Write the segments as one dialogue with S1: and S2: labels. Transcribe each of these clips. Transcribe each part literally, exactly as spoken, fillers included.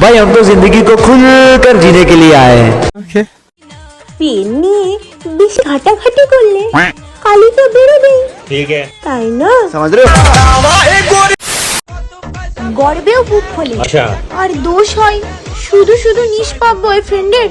S1: भाई हम तो जिंदगी को खुलकर जीने के लिए आए हैं। okay.
S2: পেন নিয়ে বেশি ঘাটাঘাটি করলে কালি তো বেরোবেই। ঠিক আছে, তাই না?
S1: समझ रहे हो?
S2: গর্বেও বুক ফোলে। আচ্ছা। আর দোষ হয় শুধু শুধু নিষ্পাপ বয়ফ্রেন্ডের।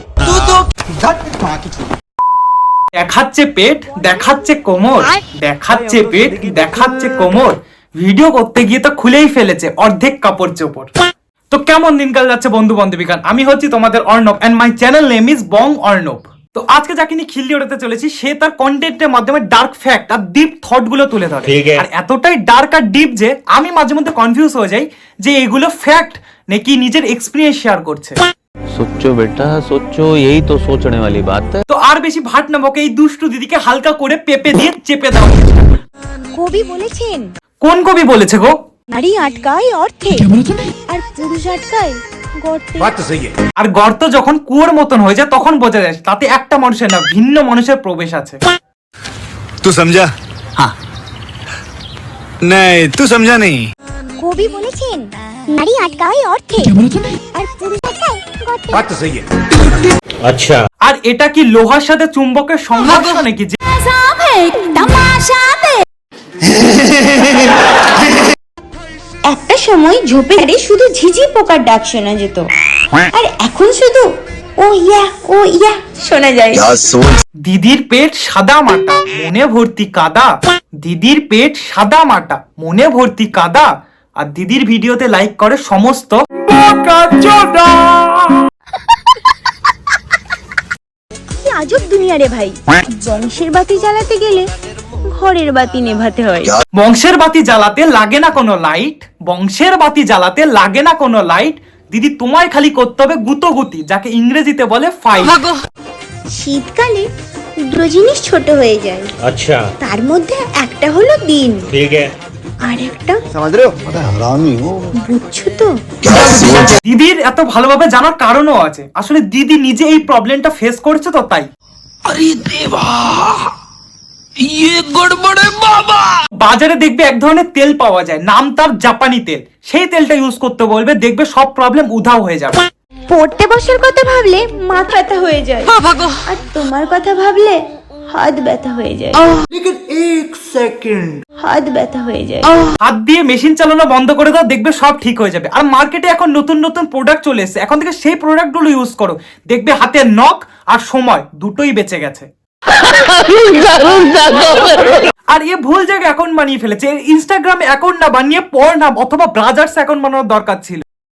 S3: দেখাচ্ছে পেট, দেখাচ্ছে কোমর, দেখাচ্ছে পেট, দেখাচ্ছে কোমর, ভিডিও করতে গিয়ে তো খুলেই ফেলেছে অর্ধেক কাপড় চোপড়। তো কেমন দিনকাল যাচ্ছে বন্ধু বান্ধবীগণ, আমি হচ্ছি তোমাদের Arnab and my channel name is Bong Arnab. তো আজকে যাকে নিয়ে খিল্লি ওড়াতে চলেছি সে তার কন্টেন্টের মাধ্যমে ডার্ক ফ্যাক্ট আর ডিপ থট গুলো তুলে ধরে, আর এতটাই ডার্ক আর ডিপ যে আমি মাঝে মধ্যে কনফিউজ হয়ে যাই যে এগুলো ফ্যাক্ট নাকি নিজের এক্সপেরিয়েন্স শেয়ার করছে।
S4: सोचो बेटा सोचो, यही तो सोचने वाली बात है।
S3: তো আর বেশি ভাট না বকে এই দুষ্টু দিদিকে হালকা করে পেপে দিয়ে চেপে দাও।
S2: কবি বলেছেন।
S3: কোন কবি বলেছে গো?
S2: নারী আটকায় অর্থে আর পুরুষ আটকায় গর্তে।
S1: बात तो सही है।
S3: আর গর্ত যখন কুয়োর মতন হয়ে যায় তখন বোঝা যায় তাতে একটা মানুষের না ভিন্ন মানুষের প্রবেশ আছে।
S5: तू समझा? हाँ। नहीं तू समझा नहीं।
S2: কবি বলেছেন নারী আটকায় অর্থে আর পুরুষ আটকায় গর্তে।
S1: बात तो सही है।
S3: আচ্ছা, আর এটা কি লোহার সাথে চুম্বকের সংঘর্ষ নাকি? যে
S2: একটা সময় ঝোপে শুধু ঝিঝি পোকার ডাক শোনা যেত, আর এখন শুধু ও ইয়া ও ইয়া শোনা যায়।
S3: দিদির পেট সাদা মাটা মনে ভর্তি কাদা, দিদির পেট সাদা মাটা মনে ভর্তি কাদা, আর দিদির ভিডিওতে লাইক করে সমস্ত
S2: কি আজব দুনিয়া রে ভাই, বংশের বাতি জ্বালাতে গেলে ঘরের বাতি নেভাতে হয়।
S3: বংশের বাতি জ্বালাতে লাগে না কোনো লাইট, বংশের বাতি জ্বালাতে লাগে না কোনো লাইট, দিদি তোমায় খালি করতে হবে গুতোগুতি, যাকে ইংরেজিতে বলে ফাইট।
S2: শীতকালে দুটো জিনিস ছোট হয়ে যায়, আচ্ছা, তার মধ্যে একটা হলো দিন, ঠিক আছে, আর একটা
S1: समझ रहे हो?
S2: বুঝছো তো?
S3: দিদির এত ভালোভাবে জানার কারণও আছে, আসলে দিদি নিজে এই প্রবলেমটা ফেস করছে তো তাই। আরে দেবা ইয়ে গড়বড়ে বাবা। বাজারে দেখবে এক ধরনের তেল পাওয়া যায়, নাম তার জাপানি তেল, সেই তেলটা ইউজ করতে বলবে, দেখবে সব প্রবলেম উধাও হয়ে যাবে।
S2: পড়তে বসার কথা ভাবলে মাথা ব্যথা হয়ে যায়, আর তোমার কথা ভাবলে হাত ব্যথা হয়ে যায়।
S3: লেকিন এক সেকেন্ড,
S2: হাত ব্যথা হয়ে যায়।
S3: হাত দিয়ে মেশিন চালানো বন্ধ করে দাও, দেখবে সব ঠিক হয়ে যাবে। আর মার্কেটে এখন নতুন নতুন প্রোডাক্ট চলে এসেছে, এখন থেকে সেই প্রোডাক্টগুলো ইউজ করো, দেখবে হাতের নখ আর সময় দুটোই বেঁচে গেছে। আর এ ভুল জায়গায় অ্যাকাউন্ট বানিয়ে ফেলেছে, ইনস্টাগ্রামে অ্যাকাউন্ট না বানিয়ে পর্নহাব অথবা ব্রাজার্স অ্যাকাউন্ট বানানোর দরকার ছিল।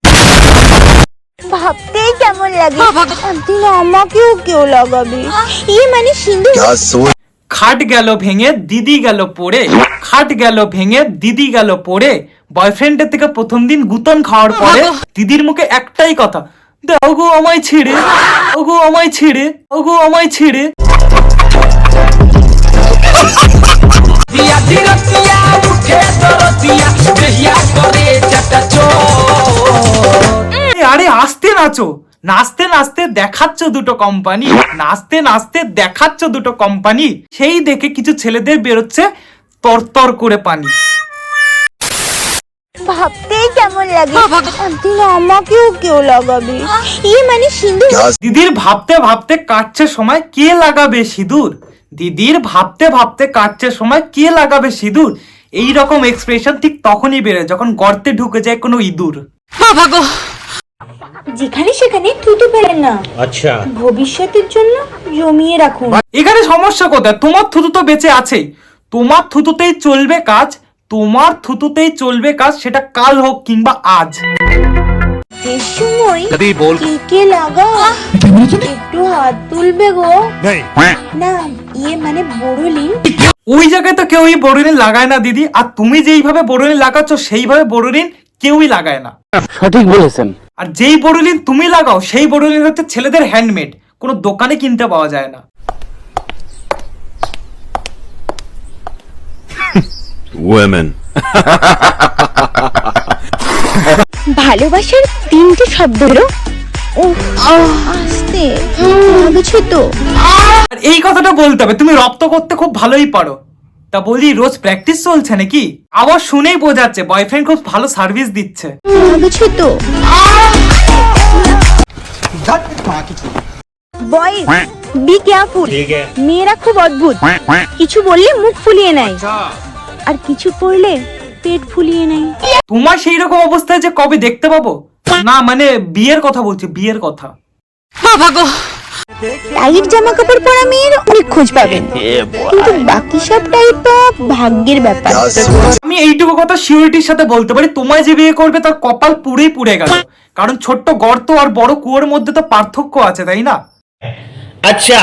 S2: ভাবতেই কেমন লাগে, একদিন আমাকেও কেউ লাগাবে, ইয়ে মানে সিন্ধু।
S3: খাট গেল ভেঙে দিদি গেল পড়ে, খাট গেল ভেঙে দিদি গেল পড়ে, বয়ফ্রেন্ডের থেকে প্রথম দিন গুতন খাওয়ার পরে দিদির মুখে একটাই কথা, দাও গো আমায় ছেড়ে, ওগো আমায় ছেড়ে, ওগো আমায় ছেড়ে। আরে আস্তে নাচো, নাচতে নাচতে দেখাচ্ছ দুটো কোম্পানি, নাচতে নাচতে দেখাচ্ছ দুটো কোম্পানি, সেই দেখে কিছু ছেলেদের বেরোচ্ছে তরতর করে পানি।
S2: ভাবতেই কেমন লাগে, একদিন আমাকেও কেউ লাগাবে, ইয়ে মানে সিন্ধু।
S3: দিদির ভাবতে ভাবতে কাটছে সময়, কে লাগাবে সিঁদুর, দিদির ভাবতে ভাবতে কাটছে সময়, কে লাগাবে সিঁদুর। এই রকম এক্সপ্রেশন ঠিক তখনই বেরোয় যখন গর্তে ঢুকে যায় কোনো ইঁদুর।
S2: যেখানে সেখানে থুতু ফেলেন না, আচ্ছা, ভবিষ্যতের জন্য জমিয়ে রাখুন।
S3: এখানে সমস্যা কোথায়? তোমার থুতু তো বেঁচে আছেই, তোমার থুতুতেই চলবে কাজ, তোমার থুতুতেই চলবে কাজ, সেটা কাল হোক কিংবা আজ।
S2: এর সময় কে কে লাগা একটু হাত তুলবে গো। না ইয়ে মানে বড়লিন।
S3: ওই জায়গায় তো কেউই বড়লিন লাগায় না দিদি, আর তুমি যেইভাবে বড়লিন লাগাচ্ছ সেইভাবে বড়লিন কেউই লাগায় না।
S4: সঠিক বলেছেন।
S3: আর যেই বড়লিন তুমি লাগাও সেই বড়লিন হচ্ছে ছেলেদের হ্যান্ডমেড, কোনো দোকানে কিনতে পাওয়া যায় না।
S5: Women.
S2: ভালোবাসার তিনটে শব্দ হলো ও আস্তে, লাগছে তো।
S3: আর এই কথাটা বলতে হবে, তুমি রপ্ত করতে খুব ভালোই পারো, তা বলি রোজ প্র্যাকটিস চলছে নাকি? আবার শুনেই বোঝাচ্ছে বয়ফ্রেন্ড খুব ভালো সার্ভিস দিচ্ছে।
S2: লাগছে তো। বয়েজ বি কেয়ারফুল, মেয়েরা খুব অদ্ভুত, কিছু বললে মুখ ফুলিয়ে নেয় আর কিছু পড়লে পেট ফুলিয়ে নেয়।
S3: তোমার সেই রকম অবস্থায় যে কবে দেখতে পাবো? না মানে বিয়ের কথা বলছি, বিয়ের কথা।
S2: টাইট জামা কাপড় পরা মেয়ের অনেক খোঁজ পাবেন, কিন্তু বাকি সব টাইপ তো ভাগ্যের ব্যাপার।
S3: আমি এইটুকু কথা সিউরিটির সাথে বলতে পারি, তোমায় যে বিয়ে করবে তার কপাল পুরেই পুড়ে গেল, কারণ ছোট্ট গর্ত আর বড় কুয়োর মধ্যে তো পার্থক্য আছে, তাই না? আচ্ছা।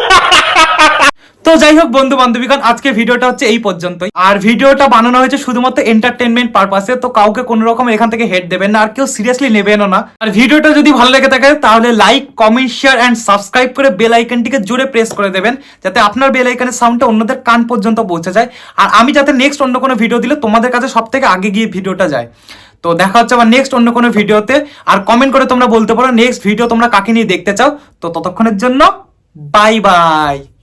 S3: তো যাই হোক বন্ধু বান্ধবীগণ, আজকে ভিডিওটা হচ্ছে এই পর্যন্তই। আর ভিডিওটা বানানো হয়েছে শুধুমাত্র এন্টারটেনমেন্ট পারপাসে, তো কাউকে কোনো রকম এখান থেকে হেড দেবেন না আর কেউ সিরিয়াসলি নেবেনও না। আর ভিডিওটা যদি ভালো লেগে থাকে তাহলে like, comment, share and subscribe করে বেল আইকনটিকে জোরে প্রেস করে দেবেন, যাতে আপনার বেল আইকনের সাউন্ডটা অন্যদের কান পর্যন্ত পৌঁছে যায়, আর আমি যাতে নেক্সট অন্য কোনো ভিডিও দিলে তোমাদের কাছে সব থেকে আগে গিয়ে ভিডিওটা যায়। তো দেখা হচ্ছে আবার নেক্সট অন্য কোনো ভিডিওতে। আর কমেন্ট করে তোমরা বলতে পারো নেক্সট ভিডিও তোমরা কাকে নিয়ে দেখতে চাও। তো ততক্ষণের জন্য বাই বাই।